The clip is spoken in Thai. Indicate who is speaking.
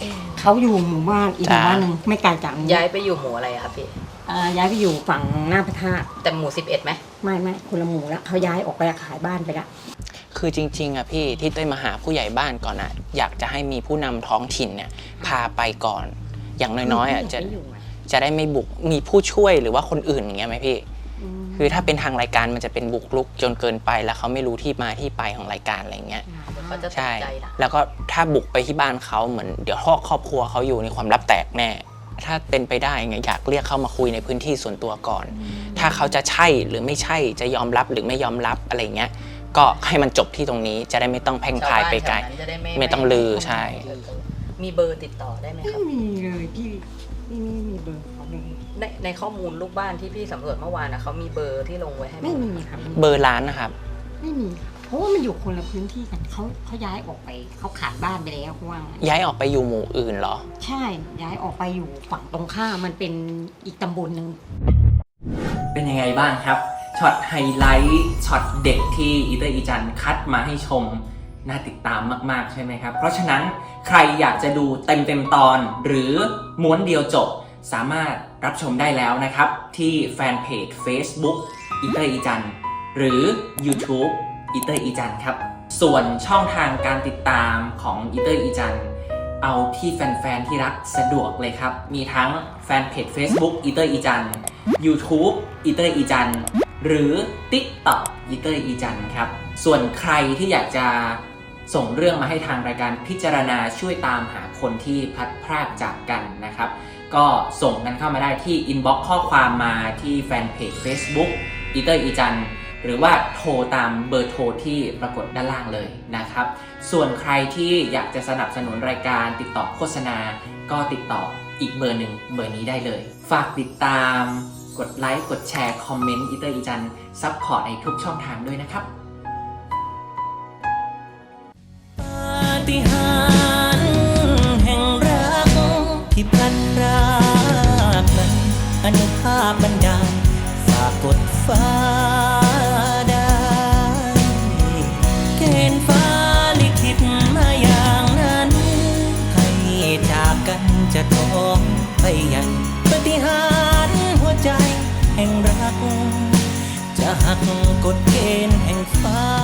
Speaker 1: เขาอยู่หมู่บ้านอีกหมู่บ้านหนึ่งไม่ไกลจากนี้
Speaker 2: ย้ายไปอยู่หมู่อะไรครับพี่
Speaker 1: ย้ายไปอยู่ฝั่งหน้าพระธาตุ
Speaker 2: แต่หมู่11ไหม
Speaker 1: ไม่คนละหมู่แล้วเขาย้ายออกไปขายบ้านไปแล้ว
Speaker 3: คือจริงๆอ่ะพี่ที่เต้ยมาหาผู้ใหญ่บ้านก่อนอ่ะอยากจะให้มีผู้นำท้องถิ่นเนี่ยพาไปก่อนอย่างน้อยๆอ่ะจะได้ไม่บุกมีผู้ช่วยหรือว่าคนอื่นอย่างเงี้ยไหมพี่คือถ้าเป็นทางรายการมันจะเป็นบุกรุกจนเกินไปแล้วเขาไม่รู้ที่มาที่ไปของรายการอะไรเงี้ย
Speaker 2: เขาจะตกใจนะ
Speaker 3: แล้วก็ถ้าบุกไปที่บ้านเขาเหมือนเดี๋ยวครอบครัวเขาอยู่ในความลับแตกแน่ถ้าเป็นไปได้ไงอยากเรียกเข้ามาคุยในพื้นที่ส่วนตัวก่อนถ้าเขาจะใช่หรือไม่ใช่จะยอมรับหรือไม่ยอมรับอะไรเงี้ยก็ให้มันจบที่ตรงนี้จะได้ไม่ต้องแพร่งพรายไปไกลไม่ต้องลือใช่
Speaker 2: มีเบอร์ติดต่อได้ไหมครับ
Speaker 1: ไม่มีเลยพี่ไม่มีเบอร์เขาเลย
Speaker 2: ในข้อมูลลูกบ้านที่พี่สำรวจเมื่อวานนะเขามีเบอร์ที่ลงไว้ให้
Speaker 1: ไม่มีครับ
Speaker 3: เบอร์ร้านนะครับ
Speaker 1: ไม่มีเพราะว่ามันอยู่คนละพื้นที่กันเขาย้ายออกไปเขาขายบ้านไปแล้วเพราะว่า
Speaker 3: ย้ายออกไปอยู่หมู่อื่นเหรอ
Speaker 1: ใช่ย้ายออกไปอยู่ฝั่งตรงข้ามมันเป็นอีกตำบลหนึ่ง
Speaker 4: เป็นยังไงบ้างครับช็อตไฮไลท์ช็อตเด็กที่อีเตอร์อีจันคัดมาให้ชมน่าติดตามมากๆใช่ไหมครับเพราะฉะนั้นใครอยากจะดูเต็มตอนหรือม้วนเดียวจบสามารถรับชมได้แล้วนะครับที่แฟนเพจ Facebook อีเตอร์อีจันหรือ YouTube อีเตอร์อีจันครับส่วนช่องทางการติดตามของอีเตอร์อีจันเอาที่แฟนๆที่รักสะดวกเลยครับมีทั้งแฟนเพจ Facebook อีเตอร์อีจัน YouTube อีเตอร์อีจันหรือ TikTok อีเตอร์อีจันครับส่วนใครที่อยากจะส่งเรื่องมาให้ทางรายการพิจารณาช่วยตามหาคนที่พลัดพรากจากกันนะครับก็ส่งกันเข้ามาได้ที่อินบ็อกซ์ข้อความมาที่แฟนเพจ Facebook อีเตอร์อีจันหรือว่าโทรตามเบอร์โทรที่ปรากฏด้านล่างเลยนะครับส่วนใครที่อยากจะสนับสนุนรายการติดต่อโฆษณาก็ติดต่ออีกเบอร์หนึ่งเบอร์นี้ได้เลยฝากติดตามกดไลค์กดแชร์คอมเมนต์อีเตอร์อีจันซัพพอร์ตในทุกช่องทางด้วยนะครับ
Speaker 5: ปาฏิหาริย์แห่งรักที่พลัดพรากนั้นอนุภาพบันดาลฝากกดฟ้าได้เกณฑ์ฟ้าลิขิตมาอย่างนั้นให้จากกันจะท้องไปยังปาฏิหาริย์หัวใจแห่งรักจะหักกฎเกณฑ์แห่งฟ้า